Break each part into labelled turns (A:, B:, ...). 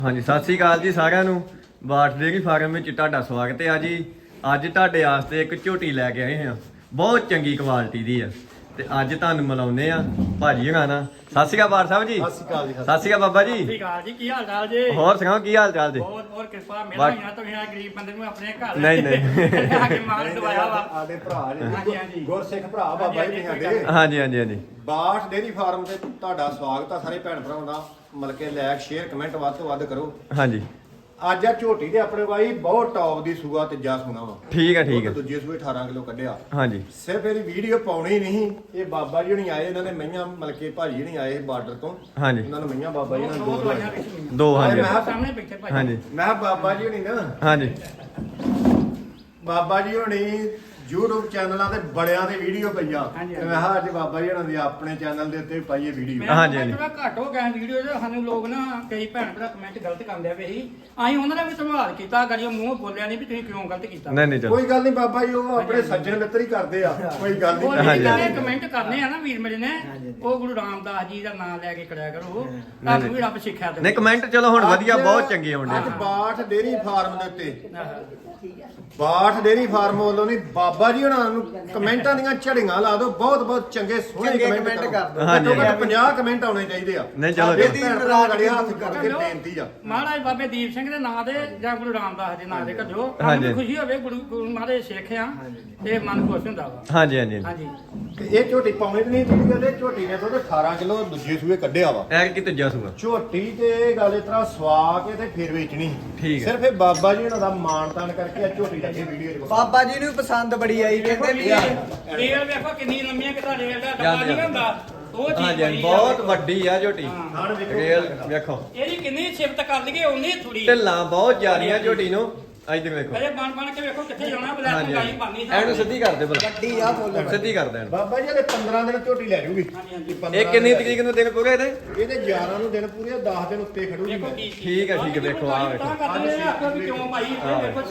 A: ਹਾਂਜੀ ਸਤਿ ਸ੍ਰੀ ਅਕਾਲ ਜੀ ਸਾਰਿਆਂ ਨੂੰ। ਬਾਠ ਡੇਅਰੀ ਫਾਰਮ ਵਿੱਚ ਤੁਹਾਡਾ ਸਵਾਗਤ ਹੈ ਜੀ। ਅੱਜ ਤੁਹਾਡੇ ਵਾਸਤੇ ਇੱਕ ਝੋਟੀ ਲੈ ਕੇ ਆਏ ਹਾਂ, ਬਹੁਤ ਚੰਗੀ ਕੁਆਲਿਟੀ ਦੀ ਆ ਤੇ ਅੱਜ ਤੁਹਾਨੂੰ ਮਿਲਾਉਂਦੇ ਆ ਭਾਜੀ ਹਣਾ ਨਾਲ। ਸਤਿ ਸ੍ਰੀ ਅਕਾਲ ਬਾਠ ਸਾਹਿਬ ਜੀ।
B: ਸਤਿ ਸ਼੍ਰੀ ਅਕਾਲ ਜੀ।
A: ਸਤਿ ਸ੍ਰੀ ਅਕਾਲ ਬਾਬਾ ਜੀ।
C: ਸਤਿ ਸ਼੍ਰੀ ਅਕਾਲ ਜੀ, ਕੀ ਹਾਲ ਚਾਲ ਜੀ?
A: ਹੋਰ ਸੁਣਾਓ ਕੀ ਹਾਲ ਚਾਲ ਜੀ?
C: ਬਹੁਤ ਬਹੁਤ ਕਿਰਪਾ ਮਿਹਰਬਾਨੀ ਤੁਸੀਂ ਆ ਗਰੀਬ ਬੰਦੇ ਨੂੰ ਆਪਣੇ ਘਰ
A: ਨਹੀਂ ਨਹੀਂ
C: ਆ ਕੇ ਮਾਲ ਦਵਾਇਆ ਵਾ।
B: ਸਾਡੇ ਭਰਾ
C: ਹਾਂਜੀ,
B: ਨੇ
C: ਹਾਂਜੀ।
B: ਗੁਰਸਿੱਖ ਭਰਾ ਬਾਬਾ ਜੀ ਸਾਡੇ
A: ਹਾਂਜੀ ਹਾਂਜੀ ਹਾਂਜੀ
B: ਬਾਠ ਡੇਅਰੀ ਫਾਰਮ ਤੇ ਤੁਹਾਡਾ ਸਵਾਗਤ ਆ ਸਾਰੇ ਭੈਣ ਭਰਾਵਾਂ ਦਾ। ਮਿਲ ਕੇ ਲਾਇਕ ਸ਼ੇਅਰ ਕਮੈਂਟ ਵੱਧ ਤੋਂ ਵੱਧ ਕਰੋ।
A: ਹਾਂਜੀ
B: ਅੱਜ ਆ ਝੋਟੀ ਦੇ ਆਪਣੇ ਬਾਈ ਬਹੁਤ ਟੌਪ ਦੀ ਸੂਆ ਤੀਜਾ ਸੁਣਾ ਵਾ।
A: ਠੀਕ ਹੈ ਠੀਕ ਹੈ।
B: ਦੂਜੇ ਸੂਏ 18 ਕਿਲੋ ਕੱਢਿਆ।
A: ਹਾਂਜੀ
B: ਸਿਰਫ ਇਹਦੀ ਵੀਡੀਓ ਪਾਉਣੀ ਨਹੀਂ, ਇਹ ਬਾਬਾ ਜੀ ਹੁਣੀ ਆਏ, ਇਹਨਾਂ ਨੇ ਮਈਆਂ ਮਿਲ ਕੇ ਭਾਜੀ ਹੁਣੀ ਆਏ ਬਾਰਡਰ ਤੋਂ।
A: ਹਾਂਜੀ
B: ਉਹਨਾਂ ਨੂੰ ਮਈਆਂ ਬਾਬਾ ਜੀ ਨਾਲ
C: ਦੋ
B: ਦੋ
C: ਦਵਾਈਆਂ
B: ਦਵਾਈਆਂ।
C: ਵਿੱਚ
A: ਦੋ ਹਾਂਜੀ
C: ਸਾਹਮਣੇ ਬੈਠੇ ਭਾਈ।
A: ਹਾਂਜੀ
B: ਮੈਂ ਕਿਹਾ ਬਾਬਾ ਜੀ ਹੁਣੀ ਨਾ
A: ਹਾਂਜੀ
B: ਬਾਬਾ ਜੀ ਹੁਣੀ YouTube ਚੈਨਲਾਂ ਤੇ ਬੜਿਆਂ ਦੇ ਵੀਡੀਓ ਪਈਆ।
C: ਹਾਂਜੀ,
B: ਤੇ ਮੈਂ ਕਿਹਾ ਅੱਜ ਬਾਬਾ ਜੀ ਹੁਣਾਂ ਦੀ ਆਪਣੇ ਚੈਨਲ ਦੇ ਉੱਤੇ ਵੀ ਪਾਈਏ ਵੀਡੀਓ।
A: ਹਾਂਜੀ, ਹਾਂਜੀ।
C: ਥੋੜਾ ਘੱਟ ਹੋ ਗਿਆ ਵੀਡੀਓ ਤੇ ਸਾਨੂੰ ਲੋਕ ਨਾ ਕਈ ਭੈਣ ਭਰਾ ਕਮੈਂਟ ਗਲਤ ਕਰਦੇ ਪਏ ਸੀ। ਅਸੀਂ ਉਹਨਾਂ ਦਾ ਵੀ ਸੰਭਾਲ ਕੀਤਾ, ਗੜੀਓ ਮੂੰਹ ਬੋਲਿਆ ਨਹੀਂ ਵੀ ਤੁਸੀਂ ਕਿਉਂ ਗਲਤ ਕੀਤਾ।
A: ਨਹੀਂ ਨਹੀਂ ਚਲੋ
B: ਕੋਈ ਗੱਲ ਨਹੀਂ ਬਾਬਾ ਜੀ, ਉਹ ਆਪਣੇ ਸੱਜਣ ਮਿੱਤਰ ਹੀ ਕਰਦੇ ਆ, ਕੋਈ ਗੱਲ
C: ਉਹ
B: ਨਹੀਂ।
C: ਜਿਹੜੇ ਕਮੈਂਟ ਕਰਨੇ ਆ ਨਾ ਵੀਰ ਮੇਰੇ ਨੇ, ਉਹ ਗੁਰੂ ਰਾਮਦਾਸ ਜੀ ਦਾ ਨਾਮ ਲੈ ਕੇ ਕਰਿਆ ਕਰੋ, ਤੁਹਾਨੂੰ ਵੀ ਰੱਬ ਸਿੱਖਿਆ ਦੇ।
A: ਨਹੀਂ ਕਮੈਂਟ ਚਲੋ ਹੁਣ ਵਧੀਆ ਬਹੁਤ ਚੰਗੇ ਆਉਂਦੇ
B: ਅੱਜ ਬਾਠ ਡੇਅਰੀ ਫਾਰਮ ਦੇ ਉੱਤੇ ਬਾਠ ਡੇਅਰੀ ਫਾਰਮ ਵੱਲੋਂ ਨਹੀਂ ਬਾਬਾ ਜੀ ਹੁਣਾਂ ਨੂੰ ਕਮੈਂਟਾਂ ਦੀਆਂ ਝੜੀਆਂ ਲਾ ਦਿਓ। ਬਹੁਤ ਬਹੁਤ ਚੰਗੇ ਸੋਹਣੇ ਕਮੈਂਟ ਕਰ ਦਿਓ।
A: ਹਾਂਜੀ,
B: ਘੱਟੋ ਘੱਟ 50 ਕਮੈਂਟ ਆਉਣੇ ਚਾਹੀਦੇ ਆ।
A: ਨਹੀਂ, ਚਲੋ
B: ਸਾਡੇ
A: ਜੀ।
B: ਭੈਣ ਭਰਾ ਗੜੇ ਹੱਥ ਕਰਕੇ ਬੇਨਤੀ ਆ।
C: ਮਹਾਰਾਜ ਬਾਬੇ ਦੀਪ ਸਿੰਘ ਦੇ ਨਾਂ ਦੇ ਜਾਂ ਗੁਰੂ ਰਾਮਦਾਸ ਦੇ ਨਾਂ ਦੇ ਕੱਢੋ।
A: ਹਾਂਜੀ।
C: ਸਾਨੂੰ ਖੁਸ਼ੀ ਹੋਵੇ, ਗੁਰੂ ਮਹਾਰਾਜ ਸਿੱਖ ਆ ਤੇ ਮਨ ਖੁਸ਼ ਹੁੰਦਾ ਵਾ।
A: ਹਾਂਜੀ ਹਾਂਜੀ
C: ਹਾਂਜੀ
B: ਤੇ ਇਹ ਝੋਟੀ ਪਾਉਣੀ ਤੇ ਨਹੀਂ ਜਿਹੜੀ ਗੱਲ, ਇਹ ਝੋਟੀ ਨੇ ਥੋੜੇ 18 ਕਿਲੋ ਦੂਜੇ ਸੂਏ ਕੱਢਿਆ ਵਾ।
A: ਐਰ ਕੀ ਤੀਜਾ ਸੂਆ।
B: ਝੋਟੀ ਤੇ ਗੱਲ ਇਸ ਤਰ੍ਹਾਂ ਸਵਾ ਕੇ ਤੇ ਫਿਰ ਵੇਚਣੀ।
A: ਠੀਕ ਹੈ।
B: ਸਿਰਫ ਇਹ ਬਾਬਾ ਜੀ ਹੁਣਾਂ ਦਾ ਮਾਣ ਤਾਣ ਕਰਕੇ ਆ ਝੋਟੀ ਲੱਗੇ ਵੀਡੀਓ 'ਚ।
D: ਬਾਬਾ ਜੀ ਨੂੰ ਪਸੰਦ ਬੜੀ ਆਈ ਕਹਿੰਦੇ ਵੀ
C: ਰੇਲ ਵੇਖੋ ਕਿੰਨੀ ਲੰਮੀਆਂ ਕਿ ਤੁਹਾਡੇ ਦਾ ਡੱਬਾ ਨਹੀਂ ਹੁੰਦਾ, ਉਹ ਚੀਜ਼
A: ਹਾਂਜੀ
C: ਬਣੀ ਆ।
A: ਬਹੁਤ ਵੱਡੀ ਆ ਝੋਟੀ।
B: ਨਾਲ ਵੇਖੋ
A: ਰੇਲ ਵੇਖੋ
C: ਇਹਦੀ ਕਿੰਨੀ ਸਿਫਤ ਕਰ ਲਈਏ ਉਨੀ ਥੋੜੀ।
A: ਢਿੱਲਾਂ ਬਹੁਤ ਜ਼ਿਆਦੀਆਂ ਝੋਟੀ ਨੂੰ। ਇੱਧਰ ਵੇਖੋ।
C: ਅਰੇ ਬਣ ਕੇ ਵੇਖੋ ਕਿੱਥੇ ਜਾਣਾ, ਬਲੈਕ
A: ਹਾਂਜੀ
C: ਗਾਈ ਬਣਨੀ
A: ਐਨੂੰ ਸਿੱਧੀ ਕਰ ਦੇ ਭਲਾ।
D: ਵੱਡੀ ਆ ਫੁੱਲ
A: ਸਿੱਧੀ ਕਰ ਦੇ ਇਹਨੂੰ।
B: ਬਾਬਾ ਜੀ ਇਹਦੇ 15 ਦਿਨ ਝੋਟੀ ਲੈ ਜੂਗੀ।
C: ਹਾਂਜੀ ਹਾਂਜੀ
A: ਇਹ ਕਿੰਨੀ ਤਰੀਕ ਨੂੰ ਦਿਨ ਪੂਰੇ ਇਹਦੇ?
B: ਇਹਦੇ 11 ਨੂੰ ਦਿਨ ਪੂਰੇ, 10 ਦਿਨ ਉੱਤੇ ਖੜੂਗੀ।
C: ਵੇਖੋ ਕੀ
A: ਠੀਕ ਹੈ, ਠੀਕ ਹੈ, ਵੇਖੋ, ਆਹ ਵੇਖੋ।
C: ਤਾਂ ਕਰਦੇ ਨੇ ਆਖੋ ਵੀ ਕਿਉਂ ਭਾਈ ਇਹ ਵੇਖੋ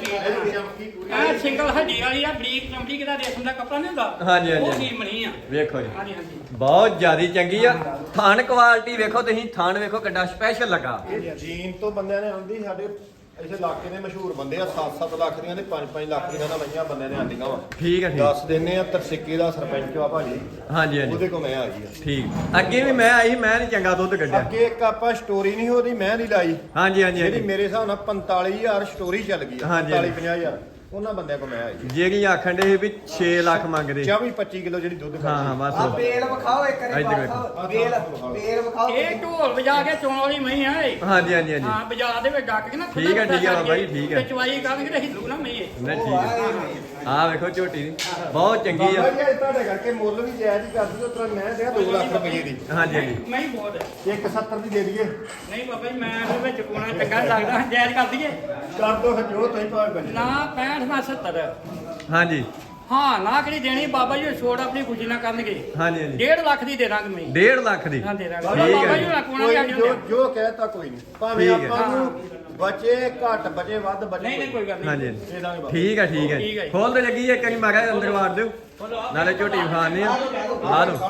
C: ਸਰੀਰ ਐ ਸਿੰਗਲ ਹੱਡੀ ਵਾਲੀ ਆ, ਬਰੀਕ ਚਮੜੀ ਕਿਦਾ ਰੇਸ਼ਮ ਦਾ ਕੱਪੜਾ ਨਹੀਂ ਹੁੰਦਾ।
A: ਹਾਂਜੀ, ਹਾਂਜੀ,
C: ਉਹ
A: ਹਾਂਜੀ।
C: ਚੀਜ਼ ਬਣੀ ਆ।
A: ਵੇਖੋ ਜੀ
C: ਹਾਂਜੀ ਹਾਂਜੀ
A: ਬਹੁਤ ਜ਼ਿਆਦੀ ਚੰਗੀ ਆ। ਥਣ ਕੁਆਲਿਟੀ ਵੇਖੋ ਤੁਸੀਂ, ਥਣ ਵੇਖੋ ਕਿੱਡਾ ਸਪੈਸ਼ਲ ਲੱਗਾ।
B: ਇਹ ਜੀਨ ਤੋਂ ਬੰਦਿਆਂ ਨੇ ਆਂਦੀ, ਸਾਡੇ ਇਸੇ ਇਲਾਕੇ ਦੇ ਮਸ਼ਹੂਰ ਬੰਦੇ ਆ। 7-7 ਲੱਖ ਦੀਆਂ ਤੇ 5-5 ਲੱਖ ਦੀਆਂ ਦਾ ਮਈਆਂ ਬੰਦਿਆਂ ਨੇ ਆਂਦੀਆਂ ਵਾ।
A: ਠੀਕ ਹੈ ਠੀਕ।
B: ਦੱਸ ਦਿੰਨੇ ਆ, ਤਰਸਿੱਕੇ ਦਾ ਸਰਪੰਚ ਆ ਭਾਜੀ,
A: ਹਾਂਜੀ ਹਾਂਜੀ
B: ਉਹਦੇ ਕੋਲ ਮੈਂ ਆਈ ਆ।
A: ਠੀਕ। ਅੱਗੇ ਵੀ ਮੈਂ ਆਈ, ਮੈਂ ਨਹੀਂ ਚੰਗਾ ਦੁੱਧ ਕੱਢਿਆ।
B: ਅੱਗੇ ਇੱਕ ਆਪਾਂ ਸਟੋਰੀ ਨਹੀਂ ਉਹਦੀ ਮੈਂ ਨਹੀਂ ਲਾਈ,
A: ਹਾਂਜੀ ਹਾਂਜੀ
B: ਜਿਹੜੀ
A: ਹਾਂਜੀ।
B: ਮੇਰੇ ਹਿਸਾਬ ਨਾਲ 45,000 ਸਟੋਰੀ ਚੱਲ ਗਈ ਆ।
A: ਹਾਂਜੀ,
B: 45-50,000 ਉਹਨਾਂ ਬੰਦਿਆਂ ਕੋਲ ਮੈਂ ਆਈ ਆ।
A: ਜਿਹੜੀ ਆਖਣ ਦੇ ਵੀ 6 ਲੱਖ ਮੰਗਦੇ।
B: 24-25 ਕਿਲੋ ਜਿਹੜੀ ਦੁੱਧ
A: ਹਾਂ ਹਾਂ
B: ਕਰਦੀ।
D: ਆ
A: ਬਸ।
D: ਬੇਲ ਵਿਖਾਓ ਇੱਕ ਵਾਰੀ
A: ਇੱਧਰ
D: ਵਿਖਾਓ ਬੇਲ ਵਿਖਾਓ
C: ਇਹ ਢੋਲ ਵਜਾ ਕੇ ਚੋਣ ਵਾਲੀ ਮਹੀਂ ਆ ਇਹ।
A: ਹਾਂਜੀ ਹਾਂਜੀ ਹਾਂਜੀ।
C: ਹਾਂ ਬਾਜ਼ਾਰ ਦੇ ਵਿੱਚ ਡੱਕ ਕੇ ਨਾ
A: ਠੀਕ ਹੈ, ਠੀਕ ਹੈ ਬਾਬਾ ਜੀ, ਠੀਕ ਹੈ।
C: ਤੇ ਚਵਾਈ ਕਰਨਗੇ ਤੇ ਹਿੱਲੂ ਨਾ ਮਹੀਂ ਇਹ।
A: ਨਹੀਂ ਠੀਕ ਹੈ। ਆਹ ਵੇਖੋ ਝੋਟੀ ਦੀ ਬਹੁਤ ਚੰਗੀ
B: ਬਾਬਾ
A: ਆ।
B: ਜੀ ਅੱਜ ਤੁਹਾਡੇ ਕਰਕੇ ਮੁੱਲ ਵੀ ਜਾਇਜ਼ ਹੀ ਕਰਦੀ, ਉਸ ਤਰ੍ਹਾਂ ਮੈਂ ਤੇ 2 ਲੱਖ ਰੁਪਏ ਦੀ
A: ਹਾਂਜੀ ਹਾਂਜੀ
C: ਮਹੀਂ ਬਹੁਤ ਹੈ।
B: 170 ਦੀ ਦੇ ਦਈਏ।
C: ਨਹੀਂ ਬਾਬਾ ਜੀ ਮੈਂ ਇਹਦੇ ਵਿੱਚ ਕੋਣਾ ਚੰਗਾ ਨੀ ਲੱਗਦਾ, ਜਾਇਜ਼ ਕਰ ਦਈਏ
B: ਕਰ ਦੋ ਫਿਰ ਜੋ ਤੁਸੀਂ ਭਾਵੇਂ ਬੰਦੇ।
C: ਨਾ 65 ਨਾ 70।
A: ਹਾਂਜੀ
C: ਹਾਂ ਨਾ ਕਿਹੜੀ ਦੇਣੀ ਬਾਬਾ ਜੀ ਛੋੜ ਆਪਣੀ ਖੁਸ਼ੀ ਨਾਲ ਕਰਨਗੇ।
A: ਹਾਂਜੀ ਹਾਂਜੀ
C: 1.5 ਲੱਖ ਦੀ ਦੇ ਦਾਂਗੇ ਮੈਂ।
A: 1.5 ਲੱਖ ਦੀ।
C: ਹਾਂ ਦੇ ਦਾਂਗੇ
A: ਠੀਕ
C: ਬਾਬਾ
A: ਹੈ
C: ਜੀ
A: ਜੀ।
C: ਨਾਲ ਕੋਣਾ
B: ਕੋਈ
C: ਵੀ
B: ਜੋ ਜੋ ਕਹਿਤਾ ਕੋਈ ਨਹੀਂ, ਭਾਵੇਂ
A: ਠੀਕ ਹੈ।
B: ਆਪਾਂ ਨੂੰ ਬਚੇ ਘੱਟ ਬਚੇ ਵੱਧ ਬਚੇ।
C: ਨਹੀਂ ਨਹੀਂ ਕੋਈ ਗੱਲ
A: ਹਾਂਜੀ
C: ਨਹੀਂ।
A: ਹਾਂਜੀ।
B: ਦੇ ਦਾਂਗੇ ਬਾਬਾ।
A: ਠੀਕ ਹੈ ਠੀਕ ਹੈ।
C: ਠੀਕ ਹੈ।
A: ਖੋਲ ਤੇ ਲੱਗੀ ਇੱਕ ਵਾਰੀ ਮਾਰਾ ਅੰਦਰ ਵਾੜ ਦਿਓ, ਨਾਲੇ ਝੋਟੀ ਵਿਖਾਣੇ ਆ। ਆ ਲਓ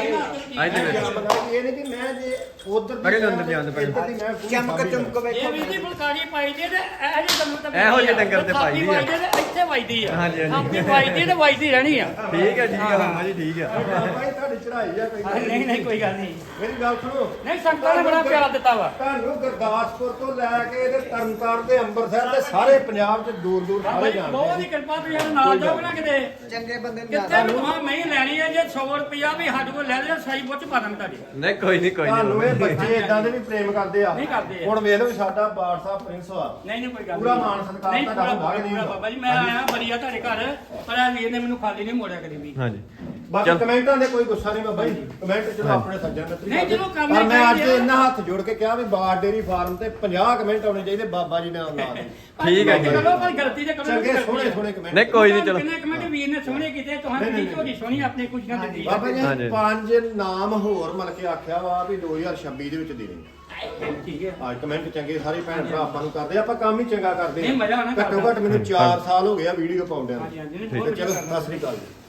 A: ਇੱਧਰ ਵੇਖੋ।
B: ਇਹ ਨਹੀਂ ਕਿ ਮੈਂ ਜੇ ਉਧਰ
A: ਅਰੇ ਅੰਦਰ ਜਾਣ ਦੇ ਪਹਿਲਾਂ।
D: ਚਮਕ ਚਮਕ
C: ਇਹ
D: ਵੇਖੋ
C: ਵੀ ਜੀ ਫੁਲਕਾਰੀ ਪਾਈ ਦੀ ਤੇ ਇਹ ਜਿਹੇ ਕੰਮ ਤਾਂ
A: ਇਹੋ ਜਿਹੇ ਡੰਗਰ ਤੇ ਪਾਈ ਦੀ ਆ।
C: ਇੱਥੇ ਵੱਜਦੀ ਆ।
A: ਹਾਂਜੀ, ਹਾਂਜੀ।
C: ਆਪਣੀ ਵੱਜਦੀ ਤੇ ਵੱਜਦੀ ਰਹਿਣੀ ਆ।
A: ਠੀਕ ਹੈ ਠੀਕ ਹੈ ਮਾਮਾ ਜੀ ਠੀਕ ਹੈ।
B: ਬਾਬਾ ਜੀ ਤੁਹਾਡੀ ਚੜਾਈ ਆ ਕੋਈ।
C: ਨਹੀਂ ਨਹੀਂ ਕੋਈ ਗੱਲ ਨਹੀਂ।
B: ਮੇਰੀ ਗੱਲ ਸੁਣੋ,
C: ਨਹੀਂ ਸੰਗਤਾਂ ਨੇ ਬੜਾ ਪਿਆਰ ਦਿੱਤਾ ਵਾ।
B: ਤੁਹਾਨੂੰ ਗੁਰਦਾਸਪੁਰ ਤੋਂ ਲੈ ਕੇ ਤੇ ਤਰਨਤਾਰਨ ਤੇ ਅੰਮ੍ਰਿਤਸਰ ਤੇ ਸਾਰੇ ਪੰਜਾਬ 'ਚ ਦੂਰ ਦੂਰ ਸਾਰੇ
C: ਬਹੁਤ
B: ਜਾਣਦੇ
C: ਹੀ ਕਿਰਪਾ ਤੁਸੀਂ ਸਾਡੇ ਨਾਲ ਜਾਓ ਨਾ ਕਿਤੇ।
D: ਚੰਗੇ ਬੰਦੇ ਨੂੰ
C: ਕਿੱਥੇ ਵੀ ਹਾਂ ਮੈਂ ਲੈਣੀ ਹੈ, ਜੇ 100 ਰੁਪਿਆ ਵੀ ਸਾਡੇ ਕੋਲ ਲੈ ਲਿਓ ਸਾਈ ਬੁੱਚ ਪਾ ਦਾਂਗੇ ਤੁਹਾਡੇ।
A: ਨਹੀਂ ਕੋਈ ਨਹੀਂ ਕੋਈ
B: ਤੁਹਾਨੂੰ ਇਹ
A: ਨਹੀਂ।
B: ਬੱਚੇ ਇਦਾਂ ਦੇ ਵੀ ਪ੍ਰੇਮ ਕਰਦੇ ਆ।
C: ਨਹੀਂ ਕਰਦੇ ਆ।
B: ਹੁਣ ਵੇਖ ਲਓ ਸਾਡਾ ਬਾਦਸ਼ਾਹ ਪ੍ਰਿੰਸ ਆ।
C: ਨਹੀਂ ਨਹੀਂ ਕੋਈ ਗੱਲ
B: ਪੂਰਾ ਮਾਣ ਸਤਿਕਾਰ
C: ਨਹੀਂ
B: ਤੁਹਾਡਾ
C: ਪੂਰਾ
B: ਹੁੰਦਾ ਕਿ ਨਹੀਂ
C: ਪੂਰਾ ਬਾਬਾ ਜੀ ਮੈਂ ਆਇਆ ਬੜੀਆ ਤੁਹਾਡੇ ਘਰ, ਪਰ ਆ ਵੀਰ ਨੇ ਮੈਨੂੰ ਖਾਲੀ ਨਹੀਂ ਮੋੜਿਆ ਕਦੀ ਵੀ।
A: ਹਾਂਜੀ
B: ਬਾਕੀ
A: ਚੱਲ।
B: ਕਮੈਂਟਾਂ ਦੇ ਕੋਈ ਗੁੱਸਾ ਨਹੀਂ ਬਾਬਾ ਜੀ, ਕਮੈਂਟ ਚਲੋ ਆਪਣੇ ਸੱਜਣ ਮਿੱਤਰ
C: ਨਹੀਂ, ਚਲੋ ਕਰਨੇ
B: ਪਰ ਮੈਂ ਅੱਜ
C: ਚਾਹੀਦੇ ਆ।
B: ਇੰਨਾ ਹੱਥ ਜੋੜ ਕੇ ਕਿਹਾ ਵੀ ਬਾਰ ਡੇਰੀ ਫਾਰਮ ਤੇ 50 ਕਮੈਂਟ ਆਉਣੇ ਚਾਹੀਦੇ ਬਾਬਾ ਜੀ ਨਾਲ ਨਾਲ ਦੇ।
A: ਠੀਕ ਹੈ ਜੀ।
C: ਚਲੋ ਪਰ ਗਲਤੀ ਤੇ ਕਰੋ।
B: ਚੰਗੇ ਸੋਹਣੇ ਸੋਹਣੇ ਕਮੈਂਟ।
A: ਨਹੀਂ ਕੋਈ ਨਹੀਂ ਚਲੋ।
C: ਕਿੰਨੇ ਕਮੈਂਟ ਵੀਰ ਨੇ ਸੋਹਣੇ ਕੀਤੇ, ਤੁਹਾਨੂੰ
B: ਨਹੀਂ,
C: ਦੀ
B: ਨਹੀਂ,
C: ਝੋਲੀ ਸੋਹਣੀ ਆਪਣੀ ਖੁਸ਼ੀਆਂ ਦਿੱਤੀ।
B: ਬਾਬਾ ਜੀ
A: ਹਾਂਜੀ।
B: 5 ਨਾਮ ਹੋਰ ਮਿਲ ਕੇ ਆਖਿਆ ਵਾ ਵੀ 2026 ਦੇ ਵਿੱਚ ਦੇ ਦੇ।
C: ਠੀਕ ਹੈ।
B: ਅੱਜ ਕਮੈਂਟ ਚੰਗੇ ਸਾਰੇ ਭੈਣ ਭਰਾ ਆਪਾਂ ਨੂੰ ਕਰਦੇ ਆ, ਆਪਾਂ ਕੰਮ ਹੀ ਚੰਗਾ ਕਰਦੇ
C: ਨਹੀਂ, ਮਜ਼ਾ ਆਉਣਾ
B: ਘੱਟੋ ਘੱਟ ਮੈਨੂੰ 4 ਸਾਲ ਹੋ ਗਏ ਆ ਵੀਡੀਓ ਪਾਉਂਦਿਆਂ
C: ਹਾਂਜੀ ਹਾਂਜੀ
B: ਨੂੰ।
C: ਬਹੁਤ
B: ਚਲੋ
C: ਵਧੀਆ
B: ਸਤਿ ਸ੍ਰੀ ਅਕਾਲ ਜੀ।